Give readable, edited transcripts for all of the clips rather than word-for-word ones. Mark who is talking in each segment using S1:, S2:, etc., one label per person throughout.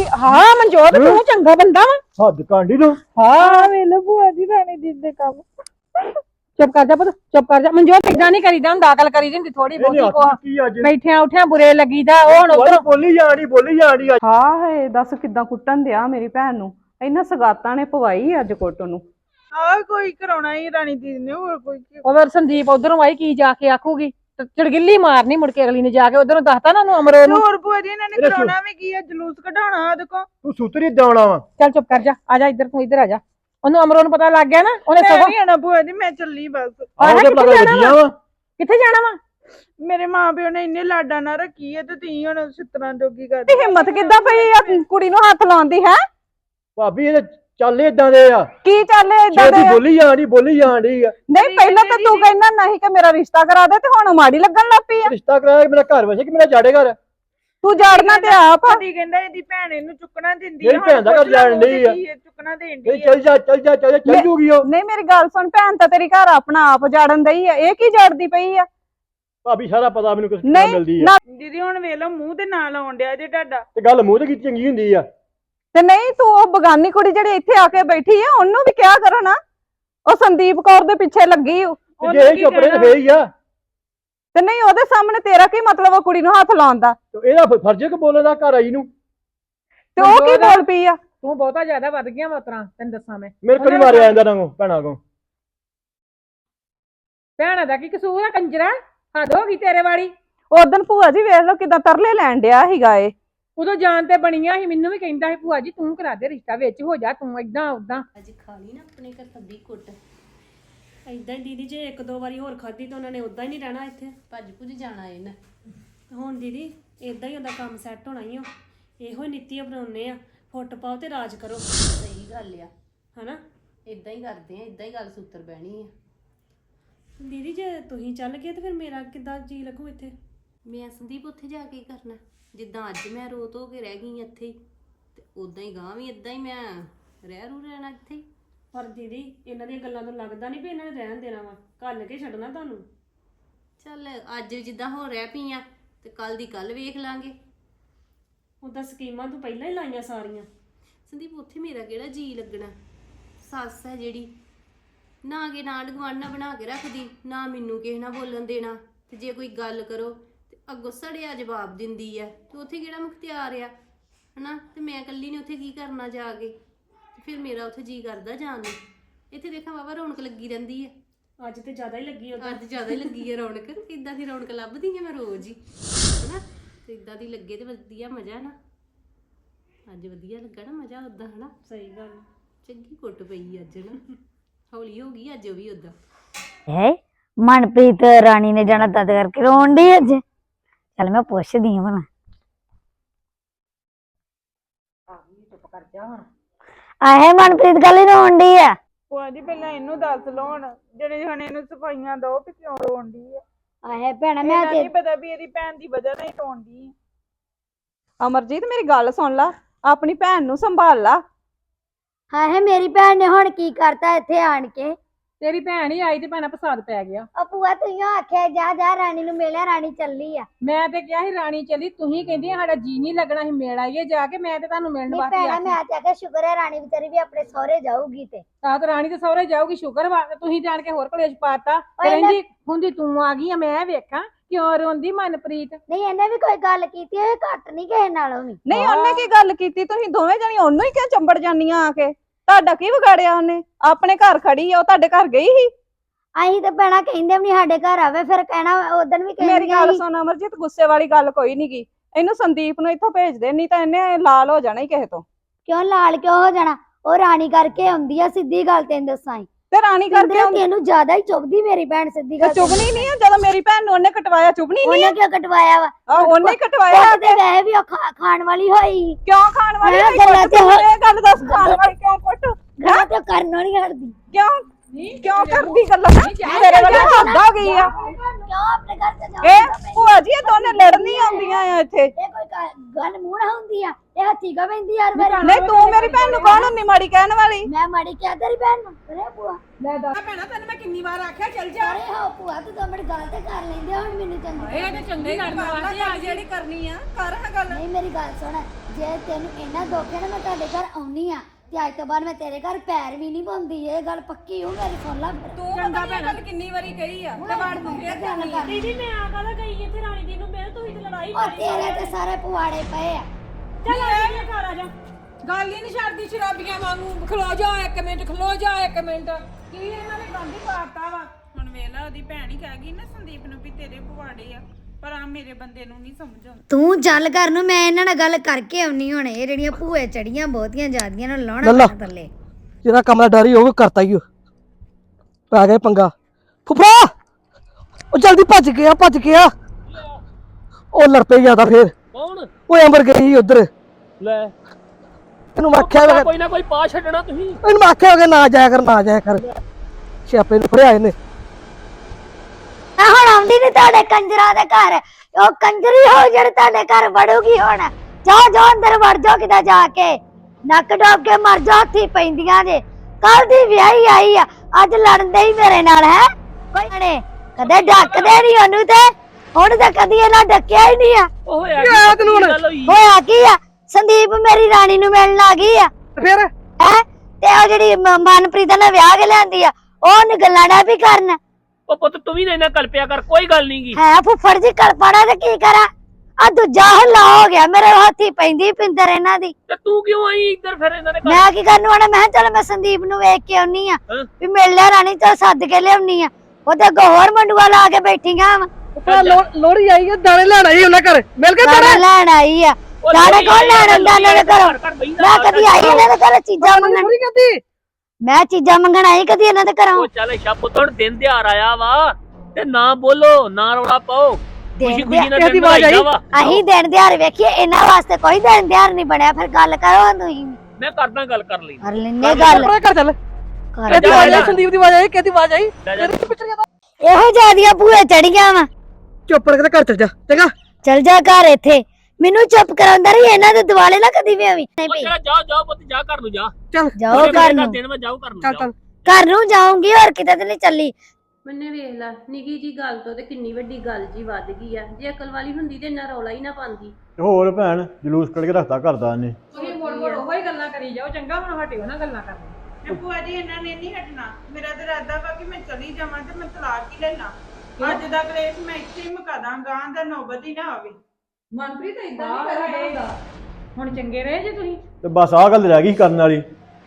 S1: ਹਾਂ ਮਨਜੋਤ ਤੂੰ ਚੰਗਾ ਬੰਦਾ ਵਾ
S2: ਹੱਦ ਕਾਂਡੀ ਨੂੰ
S1: ਹਾਂ ਵੇਲੇ ਭੂਆ ਜੀ ਰਾਣੀ ਜੀ ਦੇ ਕੰਮ ਚੁੱਪ ਕਰ ਜਾ ਪੁੱਤ ਚੁੱਪ ਕਰ ਜਾ ਮਨਜੋਤ ਇਦਾਂ ਨਹੀਂ ਕਰੀਦਾ ਹੁੰਦਾ ਅਕਲ ਕਰੀ ਦਿੰਦੀ ਥੋੜੀ ਬਹੁਤੀ ਕੋ ਬੈਠਿਆਂ ਉਠਿਆਂ ਬੁਰੇ ਲੱਗੀਦਾ ਉਹ ਹੁਣ ਉਧਰ
S2: ਬੋਲੀ ਜਾਣੀ
S1: ਹਾਂ ਹੈ ਦੱਸ ਕਿੱਦਾਂ ਕੁੱਟਣ ਦਿਆ ਮੇਰੀ ਭੈਣ ਨੂੰ ਇਹਨਾਂ ਸਗਾਤਾਂ ਨੇ ਪਵਾਈ ਅੱਜ ਕੁੱਟ ਨੂੰ
S3: ਆ ਕੋਈ ਕਰਾਉਣਾ ਹੀ ਰਾਣੀ ਦੀਦੀ ਨੇ ਹੋਰ ਕੋਈ
S1: ਉਹ ਸੰਦੀਪ ਉਧਰੋਂ ਆਈ ਕੀ ਜਾ ਕੇ ਆਖੂਗੀ ਚੜਗਿੱਲੀ ਮਾਰਨੀ ਮੁੜ ਕੇ ਅਗਲੀ ਨੇ ਜਾ ਕੇ ਉਧਰੋਂ ਦੱਸਤਾ ਨਾ ਉਹਨੂੰ ਅਮਰੋ ਨੂੰ
S3: ਹੋਰ ਭੂਆ ਜੀ ਇਹਨਾਂ ਨੇ ਕਰਾਉਣਾ ਵੀ ਕੀ ਆ ਜਲੂਸ ਕਢਾਉਣਾ ਉਹਦੇ ਕੋ
S2: ਤੂੰ ਸੁਤਰੀ ਦਾਉਣਾ ਵਾ
S1: ਚੱਲ ਚੁੱਪ ਕਰ ਜਾ ਆ ਜਾ ਇੱਧਰ ਤੂੰ ਇੱਧਰ ਆ ਜਾ ਉਹਨੂੰ ਅਮਰੋ ਨੂੰ ਪਤਾ ਲੱਗ ਗਿਆ ਨਾ ਉਹਨੇ ਸਗੋਂ
S3: ਨਹੀਂ ਆਣਾ ਭੂਆ ਜੀ ਮੈਂ ਚੱਲੀ ਬਸ
S1: ਕਿੱਥੇ ਜਾਣਾ ਵਾ
S3: ਮੇਰੇ ਮਾਂ ਪਿਓ ਨੇ ਇੰਨੇ ਲਾਡਾ ਨਾ ਰੱਖੀ ਹੈ ਤੇ ਤੀ ਹੁਣ ਸਿੱਤਰਾਂ ਜੋਗੀ ਕਰਦੀ
S1: ਹਿੰਮਤ ਕਿੱਦਾਂ ਪਈ ਆ ਕੁੜੀ ਨੂੰ ਹੱਥ ਲਾਉਂਦੀ ਹੈ
S2: ਭਾਬੀ ਇਹ ਚੱਲ ਇਦਾਂ ਦੇ ਆ
S1: ਕੀ ਚੱਲੇ ਇਦਾਂ ਦੇ
S2: ਬੋਲੀ ਜਾਣੀ ਆ
S1: ਨਹੀਂ ਪਹਿਲਾਂ ਤਾਂ ਤੂੰ ਕਹਿੰਦਾ ਨਹੀਂ ਕਿ ਮੇਰਾ ਰਿਸ਼ਤਾ ਕਰਾ ਦੇ ਤੇ ਹੁਣ ਮਾੜੀ ਲੱਗਣ ਲੱਗ ਪਈ ਆ
S2: ਰਿਸ਼ਤਾ ਕਰਾਇਆ ਮੇਰਾ ਘਰ ਵਸੇ ਕਿ ਮੇਰਾ ਜਾੜੇ ਘਰ
S1: ਤੂੰ ਜਾੜਨਾ ਤੇ ਆਪ
S3: ਪਤੀ ਕਹਿੰਦਾ ਇਹਦੀ ਭੈਣ ਇਹਨੂੰ ਚੁੱਕਣਾ ਦਿੰਦੀ
S2: ਮੇਰੀ ਭੈਣ ਦਾ ਘਰ ਜਾਣ ਡਈ ਆ
S3: ਚੁੱਕਣਾ ਦੇਂਦੀ
S2: ਨਹੀਂ ਚੱਲ ਜੂਗੀ ਉਹ
S1: ਨਹੀਂ ਮੇਰੀ ਗੱਲ ਸੁਣ ਭੈਣ ਤਾਂ ਤੇਰੀ ਘਰ ਆਪਣਾ ਆਪ ਜਾੜਨ ਦਈ ਆ ਇਹ ਕੀ ਜਾੜਦੀ ਪਈ ਆ
S2: ਭਾਬੀ ਸਾਰਾ ਪਤਾ ਮੈਨੂੰ ਕਿਸ ਤਰ੍ਹਾਂ ਮਿਲਦੀ ਆ
S3: ਦੀਦੀ ਹੁਣ ਵੇਖ ਲਓ ਮੂੰਹ ਤੇ ਨਾਲ ਆਉਣ ਡਿਆ ਜੇ ਤੁਹਾਡਾ
S2: ਤੇ ਗੱਲ ਮੂੰਹ ਤੇ ਕੀ ਚੰਗੀ ਹੁੰਦੀ ਆ
S1: ਤੇ ਨਹੀਂ ਤੂੰ ਉਹ ਬਗਾਨੀ ਕੁੜੀ ਜਿਹੜੀ ਇੱਥੇ ਆ ਕੇ ਬੈਠੀ ਆ ਉਹਨੂੰ ਵੀ ਕਿਹਾ ਕਰੋ ਨਾ ਉਹ ਸੰਦੀਪ ਕੌਰ ਦੇ ਪਿੱਛੇ ਲੱਗੀ
S2: ਜੇ ਇਹ ਚੁੱਪ ਰਹੇ ਫੇਰ ਹੀ ਆ
S1: ਤੇ ਨਹੀਂ ਉਹਦੇ ਸਾਹਮਣੇ ਤੇਰਾ ਕੀ ਮਤਲਬ ਉਹ ਕੁੜੀ ਨੂੰ ਹੱਥ ਲਾਉਣ ਦਾ
S2: ਇਹਦਾ ਫਰਜ਼ ਹੈ ਕਿ ਬੋਲਣ ਦਾ ਘਰ ਆਈ ਨੂੰ
S1: ਤੇ ਉਹ ਕੀ ਬੋਲ ਪਈ ਆ
S4: ਤੂੰ ਬਹੁਤਾ ਜ਼ਿਆਦਾ ਵੱਧ ਗਿਆ ਮਾਤਰਾ ਤੈਨੂੰ ਦੱਸਾਂ ਮੈਂ
S2: ਮੇਰੇ ਕੋਲ ਮਾਰਿਆ ਜਾਂਦਾ ਨਾ ਭੈਣਾ ਕੋ
S4: ਭੈਣਾਂ ਦਾ ਕੀ ਕਸੂਰ ਆ ਕੰਜਰਾ ਹੱਦ ਹੋ ਗਈ ਤੇਰੇ ਵਾਲੀ
S1: ਉਦੋਂ ਭੂਆ ਜੀ ਵੇਖ ਲਓ ਕਿਦਾਂ ਤਰਲੇ ਲੈਣ ਡਿਆ ਸੀਗਾ ਇਹ
S4: ਉਦੋਂ ਜਾਣ ਤੇ ਬਣੀਆਂ ਸੀ ਮੈਨੂੰ ਵੀ ਕਹਿੰਦਾ ਸੀ ਭੂਆ ਜੀ ਤੂੰ ਕਰਾ ਦੇ ਰਿਸ਼ਤਾ ਵਿੱਚ ਹੋ ਜਾ ਤੂੰ ਏਦਾਂ ਉਦਾਂ
S5: ਅੱਜ ਖਾ ਲਈ ਨਾ ਆਪਣੇ ਘਰ ਸੱਦੀ ਕੁੱਟ ਏਦਾਂ ਹੀ ਦੀਦੀ ਜੇ ਇੱਕ ਦੋ ਵਾਰੀ ਹੋਰ ਖਾਧੀ ਤਾਂ ਉਹਨਾਂ ਨੇ ਉਦਾਂ ਹੀ ਨਹੀਂ ਰਹਿਣਾ ਇੱਥੇ ਭੱਜ ਭੁੱਜ ਜਾਣਾ ਇਹਨਾਂ ਹੁਣ ਦੀਦੀ ਏਦਾਂ ਹੀ ਉਹਦਾ ਕੰਮ ਸੈੱਟ ਹੋਣਾ ਹੀ ਇਹੋ ਹੀ ਨੀਤੀ ਅਪਣਾਉਣੇ ਆ ਫੁੱਟ ਪਾਓ ਤੇ ਰਾਜ ਕਰੋ ਸਹੀ ਗੱਲ ਆ ਹਨਾ ਏਦਾਂ ਹੀ ਕਰਦੇ ਆ ਏਦਾਂ ਹੀ ਗੱਲ ਸੂਤਰ ਬਹਿਣੀ ਆ ਦੀਦੀ ਜੇ ਤੁਸੀਂ ਚੱਲ ਗਏ ਤੇ ਫਿਰ ਮੇਰਾ ਕਿੱਦਾਂ ਜੀ ਲੱਗੂ ਇੱਥੇ ਮੈਂ ਸੰਦੀਪ ਉੱਥੇ ਜਾ ਕੇ ਕਰਨਾ ਜਿੱਦਾਂ ਅੱਜ ਮੈਂ ਰੋ ਧੋ ਕੇ ਰਹਿ ਗਈ ਇੱਥੇ ਤੇ ਉਦਾਂ ਹੀ ਗਾਂ ਵੀ ਇਦਾਂ ਹੀ ਮੈਂ ਰਹਿਣਾ ਇੱਥੇ ਪਰ ਦੀਦੀ ਇਹਨਾਂ ਦੀਆਂ ਗੱਲਾਂ ਤੋਂ ਲੱਗਦਾ ਨਹੀਂ ਵੀ ਇਹਨਾਂ ਨੇ ਰਹਿਣ ਦੇਣਾ ਵਾ ਘੱਲ ਕੇ ਛੱਡਣਾ ਤੁਹਾਨੂੰ ਚੱਲ ਅੱਜ ਜਿੱਦਾਂ ਹੋ ਰਹਿ ਪਈਆਂ ਤੇ ਕੱਲ ਦੀ ਕੱਲ ਵੇਖ ਲਾਂਗੇ ਉਹਦਾ ਸਕੀਮਾਂ ਤੂੰ ਪਹਿਲਾਂ ਹੀ ਲਾਈਆਂ ਸਾਰੀਆਂ ਸੰਦੀਪ ਉੱਥੇ ਮੇਰਾ ਕਿਹੜਾ ਜੀ ਲੱਗਣਾ ਸੱਸ ਹੈ ਜਿਹੜੀ ਨਾ ਕਿ ਨਾਂਡ ਗਵਾਂਢ ਬਣਾ ਕੇ ਰੱਖਦੀ ਨਾ ਮੈਨੂੰ ਕਿਸੇ ਨਾਲ ਬੋਲਣ ਦੇਣਾ ਤੇ ਜੇ ਕੋਈ ਗੱਲ ਕਰੋ ਤੇ ਅੱਗੋਂ ਸੜਿਆ ਜਵਾਬ ਦਿੰਦੀ ਆ ਤੇ ਉੱਥੇ ਕਿਹੜਾ ਮੁਖਤਿਆਰ ਆ ਹਨਾ ਤੇ ਮੈਂ ਇਕੱਲੀ ਨੇ ਉੱਥੇ ਕੀ ਕਰਨਾ ਜਾ ਕੇ ਫਿਰ ਮੇਰਾ ਉੱਥੇ ਜੀ ਕਰਦਾ ਜਾਣ ਨੂੰ ਇੱਥੇ ਦੇਖਾਂ ਬਾਬਾ ਰੌਣਕ ਲੱਗੀ ਰਹਿੰਦੀ ਆ ਅੱਜ ਤੇ ਜ਼ਿਆਦਾ ਹੀ ਲੱਗੀ ਅੱਜ ਜ਼ਿਆਦਾ ਹੀ ਲੱਗੀ ਹੈ ਰੌਣਕ ਇਦਾਂ ਦੀ ਰੌਣਕ ਲੱਭਦੀ ਹੈ ਮੈਂ ਰੋਜ਼ ਹੀ ਹਨਾ ਤੇ ਇਦਾਂ ਦੀ ਲੱਗੇ ਤੇ ਵਧੀਆ ਮਜ਼ਾ ਨਾ ਅੱਜ ਵਧੀਆ ਲੱਗਾ ਨਾ ਮਜ਼ਾ ਉਦਾਂ ਹਨਾ ਸਹੀ ਗੱਲ ਚੰਗੀ ਕੁੱਟ ਪਈ ਅੱਜ ਨਾ ਹੌਲੀ ਹੋ ਗਈ ਅੱਜ ਉਹ ਵੀ ਉਦਾਂ
S6: ਹੈ ਮਨਪ੍ਰੀਤ ਰਾਣੀ ਨੇ ਜਾਣਾ ਤਦ ਕਰਕੇ ਰੋਣ ਡਈ ਅੱਜ ਚੱਲ ਮੈਂ ਪੁੱਛਦੀ ਹਾਂ
S4: ਚੁੱਪ ਕਰ ਜਾ ਹੁਣ
S6: ਆਹੇ ਮਨਪ੍ਰੀਤ ਗੱਲ ਹੀ ਰੋਣ ਡਈ ਆ
S3: ਭੂਆ ਜੀ ਪਹਿਲਾਂ ਇਹਨੂੰ ਦੱਸ ਲਓ ਹੁਣ ਜਿਹੜੇ ਜਣੇ ਇਹਨੂੰ ਸਫਾਈਆਂ ਦੋ ਵੀ ਕਿਉਂ ਰੋਣ ਡਈ ਆ
S6: ਆਹੇ ਭੈਣਾ ਮੈਂ
S3: ਨਹੀਂ ਪਤਾ ਵੀ ਇਹਦੀ ਭੈਣ ਦੀ ਵਜ੍ਹਾ ਨਾਲ ਹੀ ਰੋਣ ਡਈ
S1: ਅਮਰਜੀਤ ਮੇਰੀ ਗੱਲ ਸੁਣ ਲਾ ਆਪਣੀ ਭੈਣ ਨੂੰ ਸੰਭਾਲ ਲਾ
S6: ਆਹੇ ਮੇਰੀ ਭੈਣ ਨੇ ਹੁਣ ਕੀ ਕਰਤਾ ਇੱਥੇ ਆਣ ਕੇ
S4: ਤੇਰੀ ਭੈਣ ਹੀ ਆਈ ਤੇ ਭੈਣਾ ਫਸਾਦ ਪੈ ਗਿਆ
S6: ਆ ਭੂਆ ਤੂੰ ਆਖਿਆ ਜਾ ਰਾਣੀ ਨੂੰ ਮਿਲਿਆ ਰਾਣੀ ਚੱਲੀ ਆ
S4: ਮੈਂ ਤੇ ਕਿਹਾ ਸੀ ਰਾਣੀ ਚਲੀ ਤੁਸੀਂ ਕਹਿੰਦੀ ਸਾਡਾ ਜੀ ਨਹੀਂ ਲੱਗਣਾ ਸੀ ਮੇਲ ਆਈਏ ਜਾ ਕੇ ਮੈਂ ਤੇ ਤੁਹਾਨੂੰ ਮਿਲਣ ਵਾਸਤੇ
S6: ਭੈਣਾ ਮੈਂ ਆ ਕੇ ਸ਼ੁਕਰ ਹੈ ਰਾਣੀ ਵਿਚਾਰੀ ਵੀ ਆਪਣੇ ਸਹੁਰੇ ਜਾਊਗੀ ਤੇ
S4: ਤਾਂ ਰਾਣੀ ਤੇ ਸਹੁਰੇ ਜਾਊਗੀ ਸ਼ੁਕਰ ਵਾ ਤੁਸੀਂ ਜਾਣ ਕੇ ਹੋਰ ਕਲੇਸ਼ ਪਾਤਾ ਕਹਿੰਦੀ ਹੁੰਦੀ ਤੂੰ ਆ ਗਈ ਆ ਮੈਂ ਵੇਖਾਂ ਕਿਉਂ ਰੋਂਦੀ ਮਨਪ੍ਰੀਤ
S6: ਨਹੀਂ ਇਹਨੇ ਵੀ ਕੋਈ ਗੱਲ ਕੀਤੀ ਹੋਏ ਘੱਟ ਨਹੀਂ ਕਿਸੇ ਨਾਲੋਂ ਵੀ
S1: ਨਹੀਂ ਉਹਨੇ ਕੀ ਗੱਲ ਕੀਤੀ ਤੁਸੀਂ ਦੋਵੇਂ ਜਣੀ ਉਹਨੂੰ ਹੀ ਕਿਉਂ ਚੰਬੜ ਜਾਂਦੀਆਂ ਆ ਕੇ ਤੁਹਾਡਾ ਕੀ ਵਿਗਾੜਿਆ ਉਹਨੇ ਆਪਣੇ ਘਰ ਖੜੀ ਆ ਉਹ ਤੁਹਾਡੇ ਘਰ ਗਈ ਸੀ
S6: ਅਸੀਂ ਤਾਂ ਭੈਣਾ ਕਹਿੰਦੇ ਵੀ ਸਾਡੇ ਘਰ ਆਵੇ ਫਿਰ ਕਹਿਣਾ ਉਦੋਂ ਵੀ
S1: ਮੇਰੀ ਗੱਲ ਸੁਣ ਅਮਰਜੀਤ ਗੁੱਸੇ ਵਾਲੀ ਗੱਲ ਕੋਈ ਨੀ ਗੀ ਇਹਨੂੰ ਸੰਦੀਪ ਨੂੰ ਇੱਥੋਂ ਭੇਜ ਦੇ ਨਹੀਂ ਤਾਂ ਇਹਨੇ ਲਾਲ ਹੋ ਜਾਣਾ ਹੀ ਕਿਸੇ ਤੋਂ
S6: ਕਿਉਂ ਲਾਲ ਕਿਉਂ ਹੋ ਜਾਣਾ ਉਹ ਰਾਣੀ ਕਰਕੇ ਆਉਂਦੀ ਆ ਸਿੱਧੀ ਗੱਲ ਤੈਨੂੰ ਦੱਸਾਂ
S1: ਤੇ ਰਾਣੀ ਕਰਕੇ
S6: ਤੈਨੂੰ ਜ਼ਿਆਦਾ ਹੀ ਚੁੱਭਦੀ ਮੇਰੀ ਭੈਣ ਸਿੱਧੀ ਗੱਲ
S1: ਚੁਗਣੀ ਨਹੀਂ ਆ ਜਦੋਂ ਮੇਰੀ ਭੈਣ ਨੂੰ ਉਹਨੇ ਕਟਵਾਇਆ ਚੁਗਣੀ ਨਹੀਂ
S6: ਉਹਨੇ ਕਿਉਂ ਕਟਵਾਇਆ ਵਾ
S1: ਉਹਨੇ ਕਟਵਾਇਆ
S6: ਤੇ ਵੈਸੇ ਵੀ ਉਹ ਖਾਣ ਵਾਲੀ ਹੋਈ
S1: ਕਿਉਂ ਖਾਣ ਵਾਲੀ
S6: ਇਹ ਗੱਲਾਂ ਤੇ
S1: ਇਹ ਗੱਲ ਦੱਸ ਖਾਣ ਵਾਲੀ ਕਿਉਂ ਕੁੱਟ
S6: ਗੱਲਾਂ ਤੇ ਕਰਨੋਂ ਨਹੀਂ ਹਟਦੀ
S1: ਕਿਉਂ ਕਰਦੀ ਗੱਲਾਂ ਤੇਰੇ ਵਾਲੀ ਹੱਦ ਆ ਗਈ ਆ
S6: ਕਿਉਂ ਆਪਣੇ ਘਰ ਤੇ
S1: ਇਹ ਭੂਆ ਜੀ ਇਹ ਦੋਨੇ ਲੜਨੀ ਆਉਂਦੀਆਂ ਆ ਇੱਥੇ
S6: ਇਹ ਕੋਈ ਗੱਲ ਮੂੰਹ ਨਾ ਹੁੰਦੀ ਆ ਇਹ ਹੱਥੀ ਕਾ ਪੈਂਦੀ ਯਾਰ
S1: ਨਹੀਂ ਤੂੰ ਮੇਰੀ ਭੈਣ ਨੂੰ ਕੌਣ ਹੁੰਨੀ ਮਾੜੀ ਕਹਿਣ ਵਾਲੀ
S6: ਮੈਂ ਮਾੜੀ ਕਿਹਾ ਤੇਰੀ ਭੈਣ ਨੂੰ ਅਰੇ ਭੂਆ
S4: ਲੈ ਦੱਸ ਭੈਣਾ ਤੈਨੂੰ ਮੈਂ ਕਿੰਨੀ ਵਾਰ ਆਖਿਆ ਚੱਲ ਜਾ
S6: ਅਰੇ ਹੋ ਭੂਆ ਤੂੰ ਤਾਂ ਮੇਰੀ ਗੱਲ ਤੇ ਕਰ ਲੈਂਦੇ ਹੁਣ ਮੈਨੂੰ ਚੰਗੀ
S4: ਇਹ ਤੇ ਚੰਗੀ ਗੱਲ ਵਾਸਤੇ ਆ ਜਿਹੜੀ ਕਰਨੀ ਆ ਕਰ ਹਾਂ ਗੱਲ
S6: ਨਹੀਂ ਮੇਰੀ ਗੱਲ ਸੁਣ
S7: ਜੇ ਤੈਨੂੰ ਇੰਨਾ ਦੁੱਖ ਹੈ ਨਾ ਮੈਂ ਤੁਹਾਡੇ ਘਰ ਆਉਣੀ ਆ ਤੇ ਅੱਜ ਤੋਂ ਬਾਅਦ ਮੈਂ ਤੇਰੇ ਘਰ ਪੈਰ ਵੀ ਨਹੀਂ ਪਾਉਂਦੀ। ਇਹ ਗੱਲ ਪੱਕੀ ਹੋ ਮੇਰੀ, ਸੁਣ ਲੈ ਫਿਰ।
S3: ਤੂੰ ਚੰਗਾ ਭੈਣ ਗੱਲ ਕਿੰਨੀ ਵਾਰੀ ਕਹੀ ਆ ਤੇ ਵਾੜ ਤੂੰ ਫੇਰ
S7: ਗੱਲ ਕਰ।
S5: ਦੀਦੀ ਮੈਂ ਆ ਕਾਹਦਾ ਗਈ ਇੱਥੇ ਰਾਣੀ ਦੀ ਨੂੰ ਮੇਰੇ ਤੁਸੀਂ ਤੇ ਲੜਾਈ
S7: ਉਹ ਤੇਰੇ ਤੇ ਸਾਰੇ ਪੁਆੜੇ ਪਏ ਆ।
S5: ਚੱਲ ਆ ਜਾ ਘਰ ਆ ਜਾ।
S1: ਗੱਲ ਹੀ ਨਹੀਂ ਛੱਡਦੀ ਸ਼ਰਾਬੀਆਂ ਵਾਂਗੂ। ਖਲੋ ਜਾ 1 ਮਿੰਟ, ਖਲੋ ਜਾ 1 ਮਿੰਟ। ਕੀ ਇਹਨਾਂ ਨੇ ਗੰਦੀ ਪਾਤਾ ਵਾ।
S3: ਹੁਣ ਵੇਲਾ ਉਹਦੀ ਭੈਣ ਹੀ ਕਹਿ ਗਈ ਨਾ ਸੰਦੀਪ ਨੂੰ ਵੀ ਤੇਰੇ ਪਵਾੜੇ ਆ, ਪਰ ਆ ਮੇਰੇ ਬੰਦੇ ਨੂੰ ਨਹੀਂ ਸਮਝ ਆਉਂਦੀ।
S7: ਤੂੰ ਚੱਲ ਘਰ ਨੂੰ, ਮੈਂ ਇਹਨਾਂ ਨਾਲ ਗੱਲ ਕਰਕੇ ਆਉਣੀ ਹੁਣ। ਇਹ ਜਿਹੜੀਆਂ ਭੂਏ ਚੜੀਆਂ ਬਹੁਤੀਆਂ ਜ਼ਿਆਦੀਆਂ ਨੂੰ ਲਾਉਣਾ
S8: ਲੱਲਾ।
S7: ਪੈਣਾ ਥੱਲੇ।
S8: ਜਿਹੜਾ ਕੰਮ ਦਾ ਡਰ ਹੀ ਉਹ ਕਰਤਾ ਹੀ ਪੈ ਗਿਆ ਪੰਗਾ। ਫੁੱਫੜਾ ਉਹ ਜਲਦੀ ਭੱਜ ਗਿਆ ਉਹ ਲੜ ਪਈ ਜਿਆਦਾ ਫੇਰ।
S9: ਕੌਣ?
S8: ਉਹ ਅੰਬਰ ਗਈ ਉਧਰ।
S9: ਲੈ
S8: ਇਹਨੂੰ ਆਖਿਆ
S9: ਕੋਈ ਨਾ ਕੋਈ ਪਾ ਛੱਡਣਾ ਤੁਸੀਂ।
S8: ਇਹਨੂੰ ਆਖਿਆ ਨਾ ਜਾਇਆ ਕਰ ਸਿਆਪੇ ਨੂੰ ਫੜਿਆ ਇਹਨੇ।
S7: ਮੈਂ ਹੁਣ ਆਉਂਦੀ ਨਹੀਂ ਤੁਹਾਡੇ ਕੰਜਰਾਂ ਦੇ ਘਰ। ਉਹ ਕੰਜਰੀ ਹੋ ਜਿਹੜੇ ਤੁਹਾਡੇ ਘਰ ਵੜੂਗੀ ਹੁਣ। ਜਾਓ ਅੰਦਰ ਵੜ ਜਾਓ ਕਿਦਾ ਜਾ ਕੇ, ਨੱਕ ਡੋਬ ਕੇ ਮਰ ਜਾਓ। ਹੱਥੀ ਪੈਂਦੀਆਂ ਜੇ, ਕੱਲ ਦੀ ਵਿਆਹੀ ਆਈ ਆ, ਅੱਜ ਲੜਦੇ ਹੀ ਮੇਰੇ ਨਾਲ ਹੈ। ਕੋਈ ਨੇ ਕਦੇ ਡੱਕਦੇ ਨਹੀਂ ਉਹਨੂੰ, ਤੇ ਹੁਣ ਤਾਂ ਕਦੀ ਇਹਨਾਂ ਡੱਕਿਆ ਹੀ ਨਹੀਂ ਆ।
S9: ਉਹ ਹੋਇਆ
S8: ਕੀ ਤੈਨੂੰ ਹੁਣ?
S9: ਗੱਲ ਹੋਈ?
S7: ਹੋਇਆ ਕੀ ਆ? ਸੰਦੀਪ ਮੇਰੀ ਰਾਣੀ ਨੂੰ ਮਿਲਣ ਆ ਗਈ ਆ
S8: ਫੇਰ
S7: ਹੈ। ਤੇ ਉਹ ਜਿਹੜੀ ਮਨਪ੍ਰੀਤ ਨਾਲ ਵਿਆਹ ਕੇ ਲਿਆਂਦੀ ਆ, ਉਹ ਗੱਲਾਂ ਨਾ ਵੀ ਕਰਨ।
S9: ਉਹ ਪੁੱਤ ਤੂੰ ਵੀ ਨਾ ਇਹਨਾਂ ਕਲਪਿਆ ਕਰ, ਕੋਈ ਗੱਲ ਨੀ ਗੀ।
S7: ਹੈ ਫੁੱਫੜ ਜੀ ਕਲਪਣਾ ਤੇ ਕੀ ਕਰਾਂ? ਆ ਦੂਜਾ ਹੱਲਾ ਹੋ ਗਿਆ ਮੇਰੇ ਹੱਥੀ ਪੈਂਦੀ ਪਿੰਦਰ ਇਹਨਾਂ ਦੀ।
S9: ਤੇ ਤੂੰ ਕਿਉਂ ਆਈ ਇੱਧਰ ਫਿਰ ਇਹਨਾਂ ਦੇ ਘਰ?
S7: ਮੈਂ ਕੀ ਕਰਨ ਵਾਲਾ? ਮੈਂ ਕਿਹਾ ਚੱਲ ਮੈਂ ਸੰਦੀਪ ਨੂੰ ਵੇਖ ਕੇ ਆਉਣੀ ਆ ਵੀ ਮਿਲ ਲਿਆ ਰਾਣੀ, ਚੱਲ ਸੱਦ ਕੇ ਲਿਆਉਣੀ ਆ। ਉਹਦੇ ਗੋਹਰ ਮੰਡੂਆ ਲਾ ਕੇ ਬੈਠੀਆਂ ਵਾ।
S8: ਲੋੜੀ ਆਈ ਆ, ਦਾਣੇ ਲੈਣ ਆਈ ਉਹਨਾਂ ਘਰ। ਮਿਲ ਕੇ
S7: ਦਾਣੇ ਲੈਣ ਆਈ ਆ। ਦਾਣੇ ਕੌਣ ਲੈਣ ਆਉਂਦਾ ਇਹਨਾਂ ਦੇ ਘਰੋਂ? ਮੈਂ ਕਦੀ ਆਈ ਇਹਨਾਂ ਦੇ ਘਰ ਚੀਜ਼ਾਂ ਮੰਗਣ?
S8: ਥੋੜੀ ਕਹਿੰਦੀ
S7: ਮੈਂ ਚੀਜ਼ਾਂ ਮੰਗਣ ਆਈ ਕਦੀ ਇਹਨਾਂ ਦੇ ਘਰੋਂ?
S9: ਉਹ ਚੱਲ ਸ਼ਾਪ ਹੁਣ ਦਿਨ ਦਿਹਾੜ ਆਇਆ ਵਾ, ਤੇ ਨਾ ਬੋਲੋ ਨਾ ਰੌਲਾ ਪਾਓ। ਖੁਸ਼ੀ ਖੁਸ਼ੀ ਨਾਲ ਦਿਨ ਬਣਾਈਦਾ ਵਾ।
S7: ਅਹੀਂ ਦਿਨ ਦਿਹਾੜ ਵੇਖੀਏ, ਇਹਨਾਂ ਵਾਸਤੇ ਕੋਈ ਦਿਨ ਦਿਹਾੜ ਨਹੀਂ ਬਣਿਆ। ਫਿਰ ਗੱਲ ਕਰੋ ਤੁਸੀਂ।
S9: ਮੈਂ ਕਰਦਾ ਗੱਲ ਕਰ ਲਈ।
S7: ਕਰ ਲੈਨੇ ਗੱਲ।
S8: ਘਰ ਚੱਲ।
S7: ਕਰ
S8: ਕਿਹਦੀ ਆਵਾਜ਼ ਆਈ? ਸੰਦੀਪ ਦੀ ਆਵਾਜ਼ ਆਈ। ਕਿਹਦੀ ਆਵਾਜ਼ ਆਈ?
S7: ਇਹੋ ਜਿਆਦੀਆਂ ਭੂਏ ਚੜੀਆਂ ਵਾ।
S8: ਚੁੱਪ ਕਰਕੇ ਘਰ ਚੱਲ ਜਾ ਚੰਗਾ।
S7: ਚਲ ਜਾ ਘਰ ਇੱਥੇ, ਮੈਨੂੰ ਚੁੱਪ ਕਰਾਉਂਦਾ ਰਹੀ। ਇਹਨਾਂ ਦੇ ਦਿਵਾਲੇ ਨਾ ਕਦੀ ਵੀ ਆਵੀਂ।
S9: ਉਹ ਚਲਾ ਜਾਓ ਪੁੱਤ, ਜਾ ਘਰ ਨੂੰ ਜਾ।
S8: ਚੱਲ
S7: ਜਾਓ ਘਰ ਨੂੰ।
S9: ਦਿਨ ਮੈਂ ਜਾਊ ਘਰ ਨੂੰ।
S8: ਚੱਲ
S9: ਜਾਓ।
S7: ਘਰ ਨੂੰ ਜਾਊਂਗੀ, ਹੋਰ ਕਿਤੇ ਤੇ ਨਹੀਂ ਚੱਲੀ।
S5: ਮੰਨੇ ਵੇਖ ਲਾ ਨਿੱਕੀ ਜੀ ਗੱਲ ਤੋਂ ਤੇ ਕਿੰਨੀ ਵੱਡੀ ਗੱਲ ਜੀ ਵੱਧ ਗਈ ਆ। ਜੇ ਅਕਲ ਵਾਲੀ ਹੁੰਦੀ ਤੇ ਇੰਨਾ ਰੌਲਾ ਹੀ ਨਾ ਪਾਉਂਦੀ।
S2: ਹੋਰ ਭੈਣ ਜਲੂਸ ਕੱਢ ਕੇ ਰੱਖਤਾ ਘਰ ਦਾ ਇਹਨੇ।
S1: ਤੁਸੀਂ ਮੋੜ ਉਹੋ ਹੀ ਗੱਲਾਂ ਕਰੀ ਜਾਓ। ਚੰਗਾ ਹੁਣ ਹਟਿਓ ਨਾ ਗੱਲਾਂ ਕਰਨੀ।
S3: ਤੇ ਭੂਆ ਜੀ ਇਹਨਾਂ ਨੇ ਨਹੀਂ ਹਟਣਾ। ਮੇਰਾ ਤਾਂ ਇਰਾਦਾ ਵਾ ਕਿ ਮੈਂ ਚਲੀ ਜਾਵਾਂ ਤੇ ਮੈਂ ਤਲਾਕ ਹੀ ਲੈ ਲਾਂ। ਅੱਜ ਦਾ ਕਲੇਸ਼ ਮੈਂ ਇੱਥੇ ਹੀ ਮੁਕਾ ਦਾਂ, ਗਾਂ ਦਾ ਨੌਬਤ ਹੀ ਨਾ ਆਵੇ।
S1: ਮਨਪ੍ਰੀਤ ਇਦਾਂ ਨਹੀਂ ਕਰਦਾ ਹੁਣ। ਚੰਗੇ ਰਹੇ ਜੇ ਤੁਸੀਂ।
S2: ਤੇ ਬਸ ਆਹ ਗੱਲ ਰਹਿ ਗਈ ਕਰਨ ਵਾਲੀ।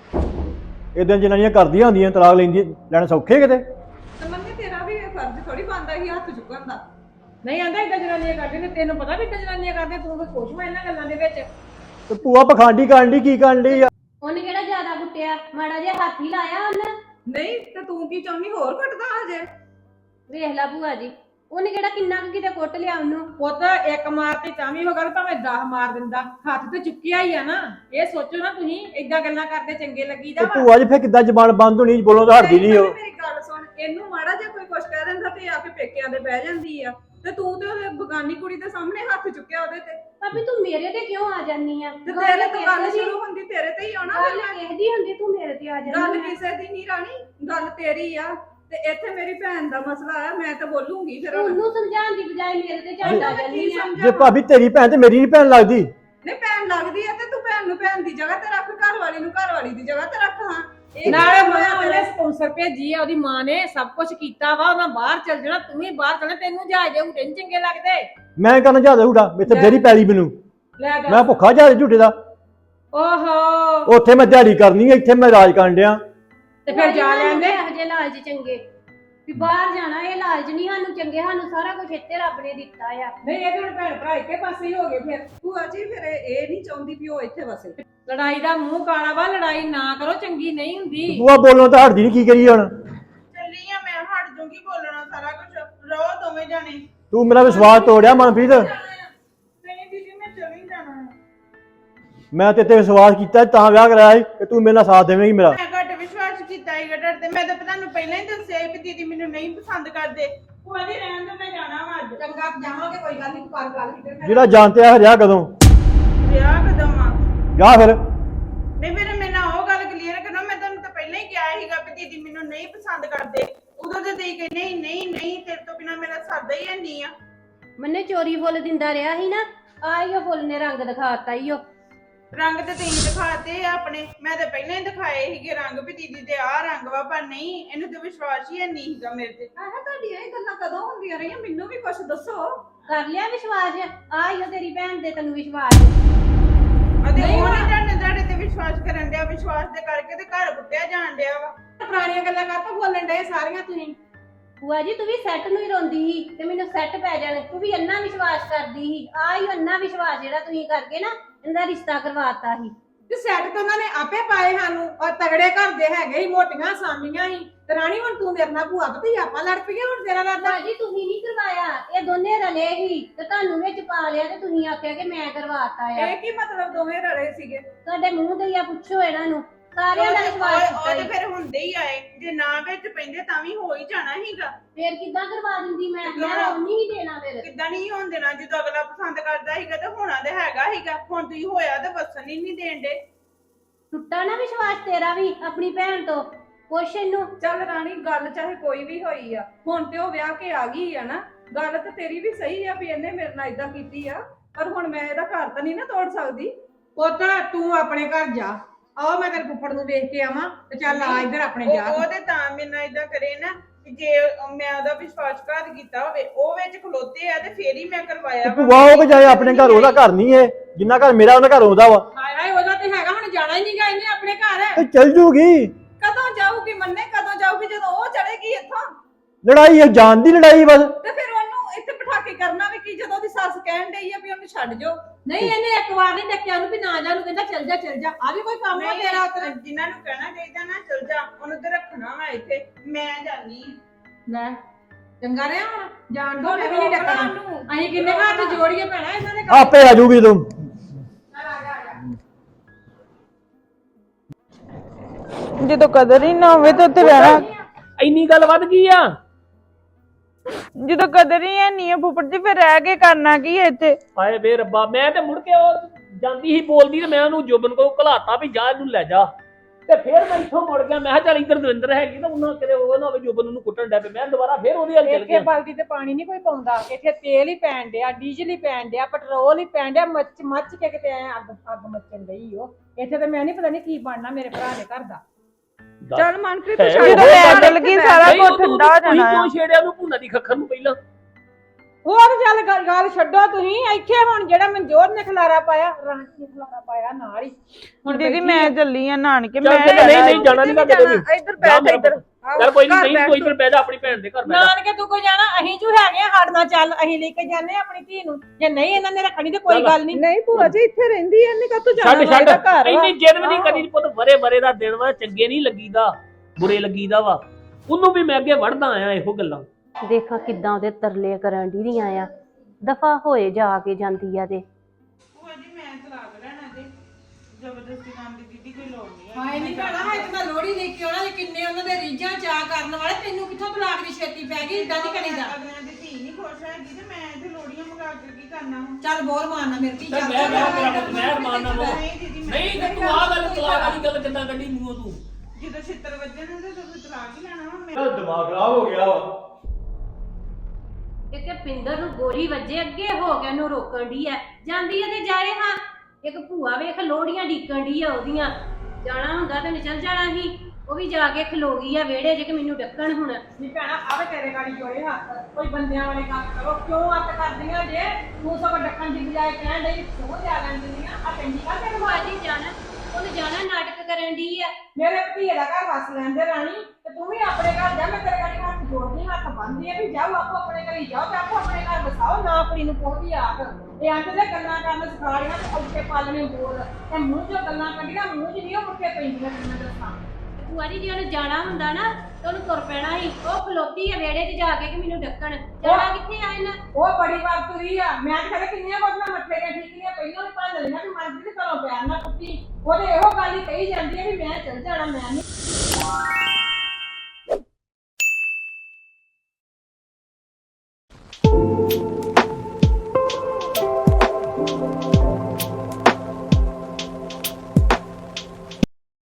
S2: ਇਦਾਂ ਜਨਾਨੀਆਂ ਕਰਦੀਆਂ ਹੁੰਦੀਆਂ, ਤਲਾਕ ਲੈਂਦੀਆਂ, ਲੈਣਾ ਸੌਖੇ ਕਿਤੇ।
S1: ਤੇ ਮੰਨੇ ਤੇਰਾ ਵੀ ਫਰਜ਼ ਥੋੜੀ ਬਣਦਾ ਸੀ ਹੱਥ ਚੁੱਕਣ ਦਾ। ਨਹੀਂ ਆਂਦਾ ਇਦਾਂ ਜਨਾਨੀਆਂ ਕਰਦੇ ਨੇ, ਤੈਨੂੰ ਪਤਾ ਵੀ ਇਦਾਂ ਜਨਾਨੀਆਂ ਕਰਦੇ। ਤੂੰ ਵੀ ਖੁਸ਼ ਮੈਂ ਇਹਨਾਂ ਗੱਲਾਂ ਦੇ ਵਿੱਚ।
S2: ਤੇ ਭੂਆ ਪਖੰਡੀ ਕਰਨ ਦੀ ਕੀ ਕਰਨ ਦੀ ਆ?
S5: ਉਹਨੇ ਕਿਹੜਾ ਜ਼ਿਆਦਾ ਕੁੱਟਿਆ, ਮਾੜਾ ਜਿਹਾ ਹੱਥ ਹੀ ਲਾਇਆ ਉਹਨੇ।
S3: ਨਹੀਂ ਤੇ ਤੂੰ ਕੀ ਚਾਹੁੰਦੀ ਹੋਰ ਘਟਦਾ ਹਜੇ?
S5: ਵੇਖ ਲਾ ਭੂਆ ਜੀ, ਉਹਨੇ ਕਿਹੜਾ ਕਿੰਨਾ ਕੁ ਕਿਤੇ ਕੁੱਟ ਲਿਆ ਉਹਨੂੰ।
S1: ਪੁੱਤ ਇੱਕ ਮਾਰ ਤੇ ਤਾਂ ਵੀ ਹੋਗਾ, ਭਾਵੇਂ 10 ਮਾਰ ਦਿੰਦਾ। ਹੱਥ ਤੇ ਚੁੱਕਿਆ ਹੀ ਆ ਨਾ। ਇਹ ਸੋਚੋ ਨਾ ਤੁਸੀਂ ਇਦਾਂ ਗੱਲਾਂ ਕਰਦੇ ਚੰਗੇ ਲੱਗੀਦਾ
S2: ਤੇ
S1: ਵਾ।
S2: ਭੂਆ ਜੀ ਫਿਰ ਕਿੱਦਾਂ ਜ਼ਬਾਨ ਬੰਦ ਹੋਣੀ? ਬੋਲੋ ਤਾਂ ਹਟਦੀ ਨਹੀਂ ਉਹ।
S3: ਮੇਰੀ ਗੱਲ ਸੁਣ, ਇਹਨੂੰ ਮਾੜਾ ਜਿਹਾ ਕੋਈ ਕੁਛ ਕਹਿ ਦਿੰਦਾ ਤੇ ਆ ਕੇ ਪੇਕਿਆਂ ਦੇ ਬਹਿ ਜਾਂਦੀ ਆ। ਤੇ ਤੂੰ ਤੇ ਉਹਦੇ ਬਗਾਨੀ ਕੁੜੀ ਦੇ ਸਾਹਮਣੇ ਹੱਥ ਚੁੱਕਿਆ ਉਹਦੇ ਤੇ।
S5: ਭਾਬੀ ਤੂੰ ਮੇਰੇ ਤੇ ਕਿਉਂ ਆ ਜਾਨੀ ਆ?
S3: ਤੇ ਤੇਰੇ ਤੋਂ ਗੱਲ ਸ਼ੁਰੂ ਹੁੰਦੀ ਤੇਰੇ ਤੇ ਹੀ ਆਉਣਾ।
S5: ਗੱਲ ਕਿਹਦੀ ਹੁੰਦੀ ਤੂੰ ਮੇਰੇ ਤੇ ਆ
S3: ਗੱਲ
S5: ਜਾਨੀ ਆ?
S3: ਕਿਸੇ ਦੀ ਨਹੀਂ ਰਾਣੀ, ਗੱਲ ਤੇਰੀ ਆ। ਤੇ ਇੱਥੇ ਮੇਰੀ ਭੈਣ ਦਾ ਮਸਲਾ ਆ, ਮੈਂ ਤਾਂ ਬੋਲੂੰਗੀ ਫਿਰ।
S5: ਉਹਨੂੰ ਸਮਝਾਉਣ ਦੀ ਬਜਾਏ ਮੇਰੇ ਤੇ ਝਾੜ ਆ ਜਾਨੀ ਆ।
S2: ਜੇ ਭਾਬੀ ਤੇਰੀ ਭੈਣ ਤੇ ਮੇਰੀ ਨਹੀਂ ਭੈਣ ਲੱਗਦੀ।
S3: ਨਹੀਂ ਭੈਣ ਲੱਗਦੀ ਆ ਤੇ ਤੂੰ ਭੈਣ ਨੂੰ ਭੈਣ ਦੀ ਜਗ੍ਹਾ ਤੇ ਰੱਖ, ਘਰ ਵਾਲੀ ਨੂੰ ਘਰ ਵਾਲੀ ਦੀ ਜਗ੍ਹਾ ਤੇ ਰੱਖ। ਹਾਂ
S1: ਨਾਲੇ ਮਾਂ ਉਹਨੇ ਸਪਾਂਸਰ ਭੇਜੀ ਆ, ਉਹਦੀ ਮਾਂ ਨੇ ਸਭ ਕੁਝ ਕੀਤਾ ਵਾ। ਉਹਨਾਂ ਬਾਹਰ ਚੱਲ ਜਾਣਾ, ਤੂੰ ਵੀ ਬਾਹਰ ਚੱਲਣਾ। ਤੈਨੂੰ ਜਹਾਜ਼ ਦੇ ਝੂਟੇ ਨੀ ਚੰਗੇ ਲੱਗਦੇ।
S2: ਮੈਂ ਕਹਿੰਦਾ ਜਾ ਦੇਊਗਾ ਮੇਥੇ ਫੇਰੀ ਪੈਲੀ ਮੈਨੂੰ।
S1: ਲੈ
S2: ਮੈਂ ਭੁੱਖਾ ਜਾ ਝੂਟੇ ਦਾ।
S1: ਓਹੋ
S2: ਉੱਥੇ ਮੈਂ ਦਿਹਾੜੀ ਕਰਨੀ ਹੈ, ਇੱਥੇ ਮੈਂ ਰਾਜ ਕਰਨ ਡਿਆ।
S1: ਤੇ ਫਿਰ ਜਾ ਲੈਂਦੇ।
S5: ਇਹੋ ਜਿਹੇ ਲਾਲਚ ਚੰਗੇ ਵੀ ਬਾਹਰ ਜਾਣਾ, ਇਹ ਲਾਲਚ ਨਹੀਂ ਸਾਨੂੰ ਚੰਗੇ। ਸਾਨੂੰ ਸਾਰਾ ਕੁਝ ਇੱਥੇ ਰੱਬ ਨੇ ਦਿੱਤਾ ਆ।
S1: ਨਹੀਂ ਇਹ ਹੁਣ ਭੈਣ ਭਰਾ ਇੱਕੇ ਪਾਸੇ ਹੀ ਹੋ ਗਏ। ਫਿਰ
S3: ਭੂਆ ਜੀ ਫਿਰ ਇਹ ਨਹੀਂ ਚਾਹੁੰਦੀ ਵੀ ਉਹ ਇੱਥੇ ਵਸੇ।
S1: ਲੜਾਈ ਦਾ ਮੂੰਹ ਕਾਲਾ ਵਾ। ਲੜਾਈ ਨਾ ਕਰੋ, ਚੰਗੀ ਨਹੀਂ ਹੁੰਦੀ।
S2: ਭੂਆ ਬੋਲੋ ਤਾਂ ਹਟਦੀ ਨਹੀਂ, ਕੀ ਕਰੀਏ ਹੁਣ?
S3: ਚੱਲੀ ਆ ਮੈਂ, ਹਟ ਜੂਗੀ ਬੋਲਣਾ ਸਾਰਾ ਕੁਝ। ਰਹੋ ਦੋਵੇਂ ਜਾਣੇ।
S2: ਤੂੰ ਮੇਰਾ ਵਿਸ਼ਵਾਸ ਤੋੜਿਆ ਮਨਪ੍ਰੀਤ।
S3: ਨਹੀਂ ਦੀਦੀ ਮੈਂ ਚਲੀ ਜਾਣਾ।
S2: ਮੈਂ ਤੇ ਵਿਸ਼ਵਾਸ ਕੀਤਾ ਤਾਂ ਵਿਆਹ ਕਰਾਇਆ ਸੀ ਕਿ ਤੂੰ ਮੇਰੇ ਨਾਲ ਸਾਥ ਦੇਵੇਂਗੀ ਮੇਰਾ।
S3: ਮੈਂ ਘੱਟ ਵਿਸ਼ਵਾਸ ਕੀਤਾ ਹੀ ਘੱਟ ਤੇ ਮੈਂ ਤਾਂ ਤੁਹਾਨੂੰ ਪਹਿਲਾਂ ਹੀ ਦੱਸਿਆ ਸੀ ਵੀ ਦੀਦੀ ਮੈਨੂੰ ਨਹੀਂ ਪਸੰਦ ਕਰਦੇ। ਭੂਆ ਜੀ ਰਹਿਣ ਦੋ, ਮੈਂ ਜਾਣਾ ਵਾ ਅੱਜ।
S1: ਚੰਗਾ ਜਾਵਾਂਗੇ, ਕੋਈ ਗੱਲ ਨਹੀਂ। ਤੂੰ ਕਰ ਗੱਲ ਕਿਤੇ
S2: ਜਿਹੜਾ ਜਾਣਤੇ ਆ ਹਰਿਆ ਕਦੋਂ
S3: ਵਿਆਹ ਕਦੋਂ ਆ?
S2: ਜਾ ਫਿਰ।
S3: ਨਹੀਂ ਫਿਰ ਮੈਂ ਨਾ ਉਹ ਗੱਲ ਕਲੀਅਰ ਕਰਨਾ। ਮੈਂ ਤੁਹਾਨੂੰ ਤਾਂ ਪਹਿਲਾਂ ਹੀ ਕਿਹਾ ਸੀਗਾ ਵੀ ਦੀਦੀ ਮੈਨੂੰ ਨਹੀਂ ਪਸੰਦ ਕਰਦੇ। ਉਦੋਂ ਤੇ ਦੇਈ ਗਈ ਨਹੀਂ ਤੇਰੇ ਤੋਂ ਬਿਨਾ ਮੇਰਾ ਸਰਦਾ ਹੀ ਨਹੀਂ ਆ।
S5: ਮੰਨੇ ਚੋਰੀ ਫੁੱਲ ਦਿੰਦਾ ਰਿਹਾ ਸੀ ਨਾ, ਆਈਓ ਫੁੱਲ ਨੇ ਰੰਗ ਦਿਖਾਤਾ ਈਓ।
S3: ਰੰਗ ਤੇ ਤੁਸੀਂ ਦਿਖਾਤੇ ਆ ਆਪਣੇ, ਮੈਂ ਤਾਂ ਪਹਿਲਾਂ ਹੀ ਦਿਖਾਏ ਸੀਗੇ ਰੰਗ ਵੀ ਦੀਦੀ ਦੇ ਆਹ ਰੰਗ ਵਾ, ਪਰ ਨਹੀਂ ਇਹਨੂੰ ਤੇ ਵਿਸ਼ਵਾਸ ਹੀ ਨਹੀਂ ਸੀਗਾ ਮੇਰੇ ਤੇ।
S4: ਤੁਹਾਡੀਆਂ ਇਹ ਗੱਲਾਂ ਕਦੋਂ ਹੁੰਦੀਆਂ ਰਹੀਆਂ ਮੈਨੂੰ ਵੀ ਕੁਝ ਦੱਸੋ।
S5: ਕਰ ਲਿਆ ਵਿਸ਼ਵਾਸ? ਆਈਓ ਤੇਰੀ ਭੈਣ ਦੇ ਤੈਨੂੰ ਵਿਸ਼ਵਾਸ।
S3: ਅਤੇ ਉਹ ਨਹੀਂ ਤੁਹਾਡੇ ਤੇ ਵਿਸ਼ਵਾਸ ਕਰਨ ਡਿਆ, ਵਿਸ਼ਵਾਸ ਦੇ ਕਰਕੇ ਤੇ ਘਰ ਪੁੱਟਿਆ ਜਾਣ ਡਿਆ ਵਾ।
S4: ਪੁਰਾਣੀਆਂ ਗੱਲਾਂ ਕਾਹਤੋਂ ਬੋਲਣ ਡਏ ਸਾਰੀਆਂ ਤੁਸੀਂ?
S5: ਭੂਆ ਜੀ ਤੂੰ ਵੀ ਸੈੱਟ ਨੂੰ ਹੀ ਰੋਂਦੀ ਸੀ ਤੇ ਮੈਨੂੰ ਸੈੱਟ ਪੈ ਜਾਣੇ, ਤੂੰ ਵੀ ਇੰਨਾ ਵਿਸ਼ਵਾਸ ਕਰਦੀ ਸੀ। ਆਈਓ ਇੰਨਾ ਵਿਸ਼ਵਾਸ ਜਿਹੜਾ ਤੁਸੀਂ ਕਰਕੇ ਨਾ ਇਹਦਾ ਰਿਸ਼ਤਾ ਕਰਵਾਤਾ ਸੀ।
S4: ਤੇ ਸੈੱਟ ਤਾਂ ਉਹਨਾਂ ਨੇ ਆਪੇ ਪਾਏ ਸਾਨੂੰ, ਔਰ ਤਗੜੇ ਘਰ ਦੇ ਹੈਗੇ ਹੀ, ਮੋਟੀਆਂ ਸਾਮੀਆਂ ਹੀ। ਤੇ ਰਾਣੀ ਹੁਣ ਤੂੰ ਮੇਰੇ ਨਾਲ ਭੂਆ ਭਤੀ ਆਪਾਂ ਲੜ ਪਈਏ, ਹੁਣ ਤੇਰਾ ਰਾਦਾ।
S5: ਭਾਜੀ ਤੁਸੀਂ ਨਹੀਂ ਕਰਵਾਇਆ, ਇਹ ਦੋਨੇ ਰਲੇ ਹੀ ਤੇ ਤੁਹਾਨੂੰ ਵਿੱਚ ਪਾ ਲਿਆ ਤੇ ਤੁਸੀਂ ਆਖਿਆ ਕਿ ਮੈਂ ਕਰਵਾਤਾ ਆ।
S4: ਇਹ ਕੀ ਮਤਲਬ ਦੋਵੇਂ ਰਲੇ ਸੀਗੇ?
S5: ਤੁਹਾਡੇ ਮੂੰਹ ਤੇ ਆ, ਪੁੱਛੋ ਇਹਨਾਂ ਨੂੰ। ਸਾਰਿਆਂ ਦਾ ਵਿਸ਼ਵਾਸ ਕੀਤਾ
S3: ਉਹ ਤੇ ਫਿਰ ਹੁੰਦੇ ਹੀ ਆਏ, ਜੇ ਨਾ ਵਿੱਚ ਪੈਂਦੇ ਤਾਂ ਵੀ ਹੋ ਹੀ ਜਾਣਾ ਸੀਗਾ।
S5: ਫੇਰ ਕਿੱਦਾਂ ਕਰਵਾ ਦਿੰਦੀ ਮੈਂ ਉਹਨੀ ਹੀ ਦੇਣਾ ਫਿਰ।
S3: ਕਿੱਦਾਂ ਨਹੀਂ ਹੋਣ ਦੇਣਾ, ਜਦੋਂ ਅਗਲਾ ਪਸੰਦ ਕਰਦਾ ਸੀਗਾ ਤੇ ਹੋਣਾ ਤੇ ਹੈਗਾ ਸੀਗਾ। ਹੁਣ ਤੁਸੀਂ ਹੋਇਆ ਤੇ ਵਸਣ ਹੀ ਨਹੀਂ ਦੇਣ ਦੇ।
S5: ਟੁੱਟਾ ਨਾ ਵਿਸ਼ਵਾਸ ਤੇਰਾ ਵੀ ਆਪਣੀ ਭੈਣ ਤੋਂ? ਪੁੱਛ ਇਹਨੂੰ।
S4: ਚੱਲ ਰਾਣੀ ਗੱਲ ਚਾਹੇ ਕੋਈ ਵੀ ਹੋਈ ਆ, ਹੁਣ ਤੇ ਉਹ ਵਿਆਹ ਕੇ ਆ ਗਈ ਆ ਨਾ। ਗੱਲ ਤੇ ਤੇਰੀ ਵੀ ਸਹੀ ਆ ਵੀ ਇਹਨੇ ਮੇਰੇ ਨਾਲ ਇਦਾਂ ਕੀਤੀ ਆ, ਪਰ ਹੁਣ ਮੈਂ ਇਹਦਾ ਘਰ ਤਾਂ ਨਹੀਂ ਨਾ ਤੋੜ ਸਕਦੀ। ਉਹ ਤਾਂ ਤੂੰ ਆਪਣੇ ਘਰ ਜਾ, ਆਓ ਮੈਂ ਤੇਰੇ ਫੁੱਫੜ ਨੂੰ ਵੇਖ ਕੇ ਆਵਾਂ ਤੇ ਚੱਲ ਆ ਇੱਧਰ ਆਪਣੇ ਜਾ।
S3: ਉਹ ਤੇ ਤਾਂ ਮੇਰੇ ਨਾਲ ਇਦਾਂ ਕਰੇ ਨਾ ਕਿ ਜੇ ਮੈਂ ਉਹਦਾ ਵਿਸ਼ਵਾਸਘਾਤ ਕੀਤਾ ਹੋਵੇ, ਉਹ ਵਿੱਚ ਖਲੋਤੇ ਆ ਤੇ ਫੇਰ ਹੀ ਮੈਂ ਕਰਵਾਇਆ।
S2: ਭੂਆ ਉਹ ਜਾਏ ਆਪਣੇ ਘਰ, ਉਹਦਾ ਘਰ ਨਹੀਂ ਹੈ ਜਿੰਨਾ ਘਰ ਮੇਰਾ ਉਹਨਾਂ ਘਰ ਉਹਦਾ ਵਾ।
S4: ਹਾਏ ਹਾਏ ਉਹਦਾ ਤੇ ਹੈਗਾ, ਹੁਣ ਜਾਣਾ ਹੀ ਨਹੀਂਗਾ ਇਹਨੇ ਆਪਣੇ ਘਰ।
S2: ਤੇ ਚੱਲ ਜੂਗੀ।
S4: ਕਦੋਂ ਜਾਊਗੀ ਮੰਨੇ, ਕਦੋਂ ਜਾਊਗੀ? ਜਦੋਂ ਉਹ ਚੜੇਗੀ ਇੱਥੋਂ।
S2: ਲੜਾਈ ਹੈ ਜਾਨ ਦੀ ਲੜਾਈ ਬਸ।
S4: ਤੇ ਫਿਰ ਉਹਨੂੰ ਇੱਥੇ ਬਿਠਾ ਕੇ ਕਰਨਾ ਵੀ ਕੀ, ਜਦੋਂ ਉਹਦੀ ਸੱਸ ਕਹਿਣ ਡਈ ਆ ਵੀ ਉਹਨੂੰ ਛੱਡ ਜਾਓ? ਨਹੀਂ ਇਹਨੇ ਇੱਕ ਵਾਰ ਨਹੀਂ ਡੱਕਿਆ ਉਹਨੂੰ ਵੀ ਨਾ ਜਾ, ਨੂੰ ਕਹਿੰਦਾ ਚੱਲ ਜਾ ਚੱਲ ਜਾ। ਆ ਵੀ ਕੋਈ ਕੰਮ ਆ ਤੇਰਾ? ਉਤਰ
S3: ਜਿਨ੍ਹਾਂ ਨੂੰ ਕਹਿਣਾ ਚਾਹੀਦਾ ਨਾ ਚੱਲ ਜਾ, ਉਹਨੂੰ ਤੇ ਰੱਖਣਾ ਵਾ ਇੱਥੇ। ਮੈਂ ਜਾਨੀ
S4: ਲੈ ਚੰਗਾ ਰਿਹਾ ਹੁਣ, ਜਾਣ ਦੋ, ਮੈਂ ਵੀ ਨਹੀਂ ਡੱਕਣਾ। ਅਸੀਂ ਕਿੰਨੇ ਹੱਥ ਜੋੜੀਏ ਭੈਣਾ ਇਹਨਾਂ ਦੇ।
S2: ਆਪੇ ਆ ਜੂਗੀ ਤੂੰ।
S3: ਜਦੋਂ ਕਦਰ ਹੀ ਨਾ ਹੋਵੇ ਤਾਂ ਉੱਥੇ ਰਹਿਣਾ।
S9: ਇੰਨੀ ਗੱਲ ਵੱਧ ਗਈ ਆ।
S3: ਜਦੋਂ ਕਦਰ ਹੀ ਹੈ ਨਹੀਂ ਫੁੱਫੜ ਜੀ, ਫਿਰ ਰਹਿ ਕੇ ਕਰਨਾ ਕੀ ਹੈ ਇੱਥੇ?
S9: ਹਾਏ ਵੇ ਰੱਬਾ, ਮੈਂ ਤੇ ਮੁੜ ਕੇ ਉਹ ਜਾਂਦੀ ਸੀ ਬੋਲਦੀ ਤੇ ਮੈਂ ਉਹਨੂੰ ਜੁਬਨ ਕੋ ਘਲਾਤਾ ਵੀ ਜਾ ਇਹਨੂੰ ਲੈ ਜਾ, ਤੇ ਫਿਰ ਮੈਂ ਇੱਥੋਂ ਮੁੜ ਗਿਆ। ਮੈਂ ਕਿਹਾ ਚੱਲ ਇੱਧਰ ਦਵਿੰਦਰ ਹੈਗੀ ਤਾਂ ਉਹਨਾਂ ਕਿਤੇ ਉਹ ਨਾ ਹੋਵੇ ਜੁਬਨ ਨੂੰ ਕੁੱਟਣ ਡੈ ਪਏ। ਮੈਂ ਦੁਬਾਰਾ ਫਿਰ ਉਹਦੇ ਵੱਲ ਚੱਲ
S4: ਇੱਥੇ
S9: ਗਿਆ।
S4: ਬਲਦੀ ਤੇ ਪਾਣੀ ਨਹੀਂ ਕੋਈ ਪਾਉਂਦਾ, ਇੱਥੇ ਤੇਲ ਹੀ ਪੈਣ ਡਿਆ, ਡੀਜ਼ਲ ਹੀ ਪੈਣ ਡਿਆ, ਪੈਟਰੋਲ ਹੀ ਪੈਣ ਡਿਆ, ਮੱਚ ਕੇ ਕਿਤੇ ਐ ਅੱਗ ਮੱਚਣ ਡਈ। ਉਹ ਇੱਥੇ ਤੇ ਮੈਂ ਨਹੀਂ ਪਤਾ ਨਹੀਂ ਕੀ ਬਣਨਾ ਮੇਰੇ ਭਰਾ ਦੇ ਘਰ ਦਾ।
S3: ਚੱਲ ਮਨਪ੍ਰੀਤ ਤੂੰ ਛੱਡ, ਮੈਂ ਚੱਲ ਗਈ, ਸਾਰਾ ਕੁਝ ਠੰਡਾ ਹੋ ਜਾਣਾ।
S9: ਕਿਉਂ ਛੇੜਿਆ ਨੂੰ ਭੂਨਾ ਦੀ ਖੱਖਰ ਨੂੰ ਪਹਿਲਾਂ?
S4: ਹੋਰ ਚੱਲ ਗੱਲ ਛੱਡੋ ਤੁਸੀਂ। ਇੱਥੇ ਹੁਣ ਜਿਹੜਾ ਮਨਜੋਤ ਨੇ ਖਲਾਰਾ ਪਾਇਆ, ਰਾਣੀ ਨੇ ਖਲਾਰਾ ਪਾਇਆ ਨਾਲ ਹੀ। ਹੁਣ
S3: ਦੀਦੀ ਮੈਂ ਚੱਲੀ ਆ ਨਾਨਕੇ।
S9: ਮੈਂ ਨਹੀਂ ਜਾਣਾ ਨਹੀਂ ਕਿਤੇ ਵੀ।
S3: ਇੱਧਰ ਬੈਠ, ਇੱਧਰ
S9: ਚੱਲ ਕੋਈ ਨਹੀਂ, ਤੂੰ ਇੱਧਰ ਬਹਿ ਜਾ, ਆਪਣੀ ਭੈਣ ਦੇ ਘਰ ਬਹਿ ਜਾ।
S4: ਨਾਨਕੇ ਤੂੰ ਕੋ ਜਾਣਾ, ਅਸੀਂ ਜੂ ਹੈਗੇ ਆ, ਸਾਡੇ ਨਾਲ ਚੱਲ, ਅਸੀਂ ਲੈ ਕੇ ਜਾਂਦੇ ਆ ਆਪਣੀ ਧੀ ਨੂੰ। ਜੇ ਨਹੀਂ ਇਹਨਾਂ ਨੇ ਰੱਖਣੀ ਤੇ ਕੋਈ ਗੱਲ ਨਹੀਂ। ਨਹੀਂ ਭੂਆ ਜੀ ਇੱਥੇ ਰਹਿੰਦੀ ਐ, ਇਹਨੇ ਕਾਹਤੋਂ ਜਾਣਾ?
S9: ਛੱਡ ਇੰਨੀ ਜਿੱਦ ਵੀ ਨਹੀਂ ਕਰੀ। ਪੁੱਤ ਵਰੇ ਦਾ ਦਿਨ ਵਾ, ਚੰਗੇ ਨਹੀਂ ਲੱਗੀਦਾ, ਬੁਰੇ ਲੱਗੀਦਾ ਵਾ। ਉਹਨੂੰ ਵੀ ਮੈਂ ਅੱਗੇ ਵੜਦਾ ਆਇਆ ਇਹੋ ਗੱਲਾਂ।
S5: ਦੇਖਾਂ ਕਿੱਦਾਂ ਉਹਦੇ ਤਰਲੇ ਕਰਨ ਦੀ ਦੀਆਂ ਆ, ਦਫਾ ਹੋਏ ਜਾ ਕੇ ਜਾਂਦੀ ਆ। ਤੇ
S3: ਭੂਆ ਜੀ ਮੈਂ ਤਲਾਕ ਲੈਣਾ ਤੇ ਜ਼ਬਰਦਸਤੀ ਕਰਨ ਦੀ ਦੀਦੀ ਕੋਈ ਲੋੜ ਨਹੀਂ।
S4: ਹਾਏ ਨਹੀਂ ਭੈਣਾ, ਹਾਏ ਤੇ ਮੈਂ ਲੋੜੀ ਲੈ ਕੇ ਆਉਣਾ। ਕਿੰਨੇ ਉਹਨਾਂ ਦੇ ਰੀਝਾਂ ਚਾਹ ਕਰਨ ਵਾਲੇ, ਤੈਨੂੰ ਕਿੱਥੋਂ ਤਲਾਕ ਦੀ ਛੇਤੀ ਪੈ ਗਈ? ਇਦਾਂ ਨਹੀਂ ਕਰੀਦਾ।
S3: ਅਗਲਿਆਂ ਦੀ ਧੀ ਨਹੀਂ ਖੁਸ਼ ਹੈਗੀ ਤੇ ਮੈਂ ਇੱਥੇ ਲੋੜੀਆਂ ਮੰਗਾ ਕੇ ਕੀ ਕਰਨਾ ਹੁਣ?
S4: ਚੱਲ ਬੋਲ ਮਾਰਨਾ ਮੇਰੀ ਧੀ।
S9: ਮੈਂ ਮਾਰਨਾ ਨਹੀਂ ਤੇ ਤੂੰ ਆਹ ਗੱਲ ਤਲਾਕ ਵਾਲੀ ਗੱਲ ਕਿੱਦਾਂ ਕੱਢੀ ਮੂੰਹੋਂ ਤੂੰ?
S3: ਜਦੋਂ ਛਿੱਤਰ ਵੱਜਣ ਤੇ ਫਿਰ ਤਲਾਕ ਹੀ ਲੈਣਾ ਵਾ।
S2: ਇਹਦਾ ਦਿਮਾਗ ਖਰਾਬ ਹੋ ਗਿਆ ਵਾ।
S5: ਇੱਕ ਪਿੰਦਰ ਨੂੰ ਗੋਲੀ ਵੱਜੇ, ਅੱਗੇ ਹੋ ਕੇ ਉਹਨੂੰ ਰੋਕਣ ਦੀ ਐ। ਜਾਂਦੀ ਐ ਤੇ ਜਾਏ ਹਾਂ। ਇੱਕ ਭੂਆ ਵੇਖ ਲੋੜੀਆਂ ਡੀਕਣ ਦੀ ਆ ਉਹਦੀਆਂ। ਜਾਣਾ ਹੁੰਦਾ ਤੇ ਨਿਕਲ ਜਾਣਾ ਸੀ, ਉਹ ਵੀ ਜਾ ਕੇ ਖਲੋ ਗਈ ਆ ਵਿਹੜੇ 'ਚ ਕਿ ਮੈਨੂੰ ਡੱਕਣ ਹੁਣ।
S4: ਨਹੀਂ ਭੈਣਾ, ਆਵੇ ਤੇਰੇ ਗਾੜੀ ਜੋੜੇ ਹੱਥ, ਕੋਈ ਬੰਦਿਆਂ ਵਾਲੇ ਕੰਮ ਕਰੋ। ਕਿਉਂ ਅੱਤ ਕਰਦੀਆਂ ਜੇ? ਤੂੰ ਸਭ ਡੱਕਣ ਦੀ ਬਜਾਏ ਕਹਿਣ ਡਈ ਸੋਹ ਜਾ ਲੈਂਦੀਆਂ। ਆ ਚੰਗੀ ਗੱਲ ਤੈਨੂੰ
S5: ਬਾਜੀ ਜਾਣਾ, ਉਹਨੇ ਜਾਣਾ ਨਾਟਕ ਕਰਨ ਦੀ ਆ।
S4: ਮੇਰੇ ਭਤੀਏ ਦਾ ਘਰ ਵਸ ਲੈਂਦੇ ਰਾਣੀ, ਤੇ ਤੂੰ ਵੀ ਆਪਣੇ ਘਰ ਜਾ। ਮੈਂ ਤੇਰੇ ਗਾੜੀ ਹੱਥ ਜੋੜਦੀ, ਹੱਥ ਬੰਨ੍ਹਦੀ ਆ ਵੀ ਜਾਓ ਆਪੋ ਆਪਣੇ ਘਰ ਹੀ ਜਾਓ, ਤੇ ਆਪੋ ਆਪਣੇ ਘਰ ਵਸਾਓ। ਨਾ ਕੁੜੀ ਨੂੰ ਪਹੁੰਚੀ ਆਖ ਇਹ ਆਂਦੇ ਦੇ ਗੱਲਾਂ ਕਰਨ ਸਿਖਾ ਰਹੀਆਂ ਤੇ ਉੱਤੇ ਪਾਲਣੇ ਬੋਲ, ਤੇ ਮੂੰਹ 'ਚੋਂ ਗੱਲਾਂ ਕੱਢੀਆਂ, ਮੂੰਹ 'ਚ ਨਹੀਂ ਉਹ ਮੁੜ ਕੇ ਪੈਂਦੀਆਂ। ਤੈਨੂੰ ਦੱਸਾਂ
S5: ਭੂਆ ਜੀ ਜੇ ਉਹਨੂੰ ਜਾਣਾ ਹੁੰਦਾ ਨਾ ਤੇ ਉਹਨੂੰ ਤੁਰ ਪੈਣਾ ਸੀ। ਉਹ ਖਲੋਤੀ ਆ ਵਿਹੜੇ 'ਚ ਜਾ ਕੇ ਕਿ ਮੈਨੂੰ ਡੱਕਣ। ਜਾਣਾ ਕਿੱਥੇ ਆ ਇਹਨਾਂ?
S4: ਉਹ ਬੜੀ ਵਾਰ ਤੁਰੀ ਆ। ਮੈਂ ਤਾਂ ਕਹਿੰਦਾ ਕਿੰਨੀਆਂ ਵਾਰ ਮੱਥੇ ਦੀਆਂ ਠੀਕਰੀਆਂ ਪਹਿਲਾਂ ਹੀ ਭੰਨ ਲੈਣਾ ਵੀ ਮਨਪ੍ਰੀਤ ਘਰੋਂ ਪਿਆਰ ਨਾ ਕੁੱਟੀ। ਉਹਦੇ ਇਹੋ ਗੱਲ ਹੀ ਕਹੀ ਜਾਂਦੀ ਹੈ ਵੀ ਮੈਂ ਚੱਲ ਜਾਣਾ, ਮੈਂ ਨਹੀਂ।